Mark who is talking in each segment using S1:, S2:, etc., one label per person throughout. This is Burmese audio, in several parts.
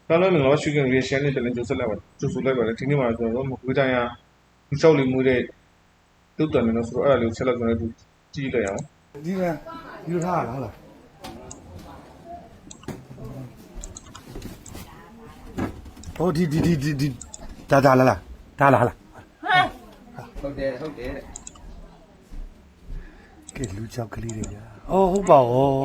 S1: အားလုံးမင်္ဂလာပါရှုခင်လေးရှမ်းလေးတလည်းကြိုဆက်လိုက်ပါကြိုဆိုလိုက်ပါတယ်ဒီနေ့မှာကျွန်တော်တို့ဝေးတိုင်းရလူလျှောက်လေးမှုတဲ့တုတ်တန်နေလို့ဆိုတော့အဲ့ဒါလေးကိုဆက်လက်ကျွန်တော်တို့ကြည့်လိုက်အောင်
S2: ဒီကယူထားလားဟုတ်လားဟိုဒီဒါလာလား
S3: ဟုတ်တယ်
S2: ကဲလူချောက်ကလေးတွေညာအော်ဟုတ်ပါ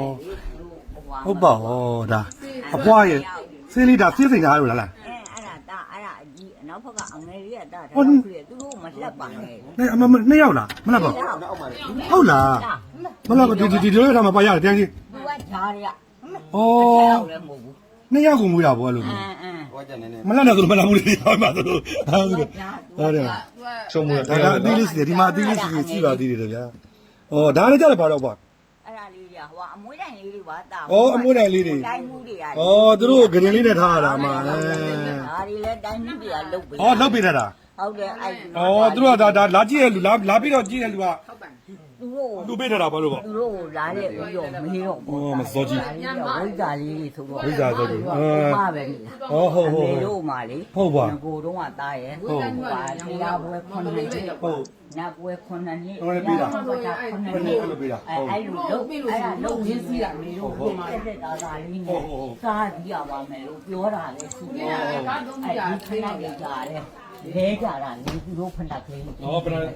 S2: ဒါအပွားရဲ့စင်းလေးဒါသိစိန်သားလို့လား
S4: အဲ့ဒါအကြီးနောက်ဘက်ကအငယ်လေးကတာထားပြီးသူတို့မလှက်ပါနဲ့
S2: နဲ့အမနှစ်ယောက်လားမလားပါဟုတ်လားမလားဒီလိုထားမှာပါရတယ်တရားကြီး
S4: သူကဂျားတွေက
S2: အော်နှစ်ယောက်ကိုမွေးတာပေါ့အဲ့လို
S3: ဟောကြနေနေ
S2: မလားတော့မလားမလို့ဟောပါဆိုဟုတ်တယ်
S1: ချုံမွေး
S2: တာဒါအသီးလေးစီဒီမှာအသီးလေးစီရှိပါသေးတယ်ဗျာအော်ဒါလည်းကြတယ်ပါတော့ပေါ့
S4: အဲ့ဒါလေးတွေကဟိုအမွေးတိုင်လေးတွေပါတာ
S2: အမွေးတိုင်လေးတွေ
S4: တိုင်းမှုတွေက
S2: သူတို့ဂရင်လေးနဲ့ထားရတာမှာ
S4: ဒါတွေလည်းတိုင်းမှုတွေကလုတ်ပေး
S2: လုတ်ပေးတာ
S4: ဟုတ်တယ်အဲ့
S2: သူတို့ကဒါလာကြည့်ရလူလာပြီးတော့ကြည့်ရလူက
S4: သူ
S2: တို့ပေးထားတာဘာလို့ပေါ့
S4: သူတို့လာတဲ့ပြီးတော့မေးတော့
S2: မစောကြီး
S4: ဝိဇာလေးတွေဆိုတော့
S2: ဝိဇာဆိုတော့
S4: မှာပဲဟုတ်တို့မှာလေ
S2: ဟုတ်ပါ
S4: ကိုတော့ကတားရဲ့ဟုတ်ပါတရားပွဲခွန်နေ
S2: ဟုတ်
S4: နာပွဲခွန်နေနေ
S2: ဟုတ်ပေးတာ
S4: ခွန်နေ
S2: အဲ့လိုပေးတာ
S4: အဲ့လိုလုံးရင်းစီးတာမေတို့ပုံမှာတက်တာလေးနဲ့စားကြည့်ရပါမယ်လို့ပြောတာလေသူကအဲ့ဒီခဏလေးကြာတယ်လဲကြတာလေသူတို့ဖဏကလေး
S2: ဟုတ်ဟုတ်
S4: အဲ့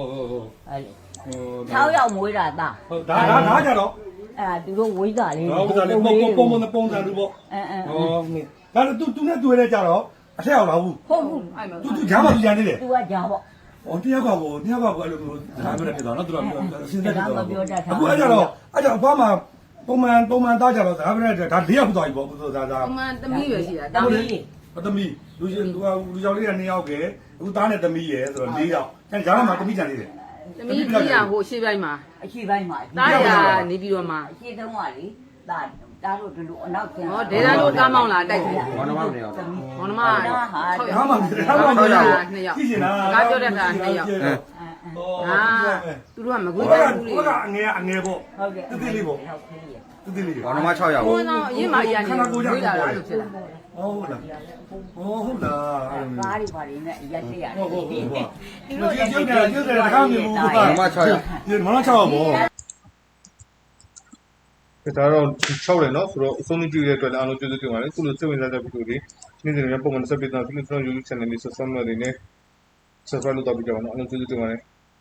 S4: 6ယောက်မွေးတာသား
S2: ဟုတ်ဒါကြတော့
S4: အဲ့သူတို့ဝိဇ္ဇာလေး
S2: ဟုတ်ကဲ့ပုံစံလူပေါ့ဒါသူနဲ့တွေ့ရကြတော့အထက်အောင်လာဘူး
S4: ဟုတ်ဘူး
S2: သူဂျားမှသူကြံနေတယ်
S4: သူကဂျားပေါ့
S2: တယောက်ကအဲ့လိုမျိုးဒါမျိုးနဲ့ဖြစ်သွားနော်သူတို့စဉ်းစားကြတော့အခုအဲ့ကြတော့အဖွားမှာပုံမှန်သားကြတော့ဒါပဲဒါ၄ယောက်သွားပြီပေါ့ဒါ
S5: ပုံမှန်သမီးပဲရှိတာ
S2: သမီးလူယောက်လေးက2ယောက်ကအခုသားနဲ့သမီးရယ်ဆိုတော့4ယောက်အဲ့ဂျားမှာသမီးကြံနေတယ်
S5: သမီးကြီးရဟိုရှေ့ပိုင်းမှာ
S4: အရှိပိုင်းမှာ
S5: တားရနေပြီးတော့မှ
S4: အရှိတုံးကလေတားတို့ဒီလိုအနောက်ကျန်
S5: ဟောဒေတာတို့ကားမောင်းလာတိုက်တယ်
S3: ဘောနမနေရော
S5: ဘောနမ
S2: 6ယောက်
S5: 2ယောက်ကားပြောတဲ့တာ2ယောက်သူတို့ကမကွေးတိုင်းဘူးလေ
S2: ကအငယ်ပေါ့
S4: ဟုတ်ကဲ့
S2: တိလေးပေါ့တိလေး
S3: ဘောနမ6ယောက်
S5: ဘုန်းတော်အရင်မှအရင်နေဝေးလာတာလို့ဖြစ်လာ
S2: ဟုတ်လား
S4: ကားတွေပါနေနဲ့ရက်တရ
S2: ဟုတ်သူတို့ရုပ်တယ်တခါမျိုး
S3: ဘောနမ6ယောက်
S2: မန6ယောက်ပေါ့
S1: ဒါတော့6တယ်နော်ဆိုတော့အဆုံးကြည့်ရတဲ့အတွက်လည်းအားလုံးကျေးဇူးတင်ပါတယ်ခုလိုစိတ်ဝင်စားတဲ့ဗီဒီယိုတွေနေ့စဉ်များပုံမှန်ဆက်ပေးတာဒီလိုကျွန်တော် YouTube channel လေး subscribe လုပ်နေ subscribe လုပ်တော့ပြကြပါနော်အားလုံးကျေးဇူးတင်ပါတယ်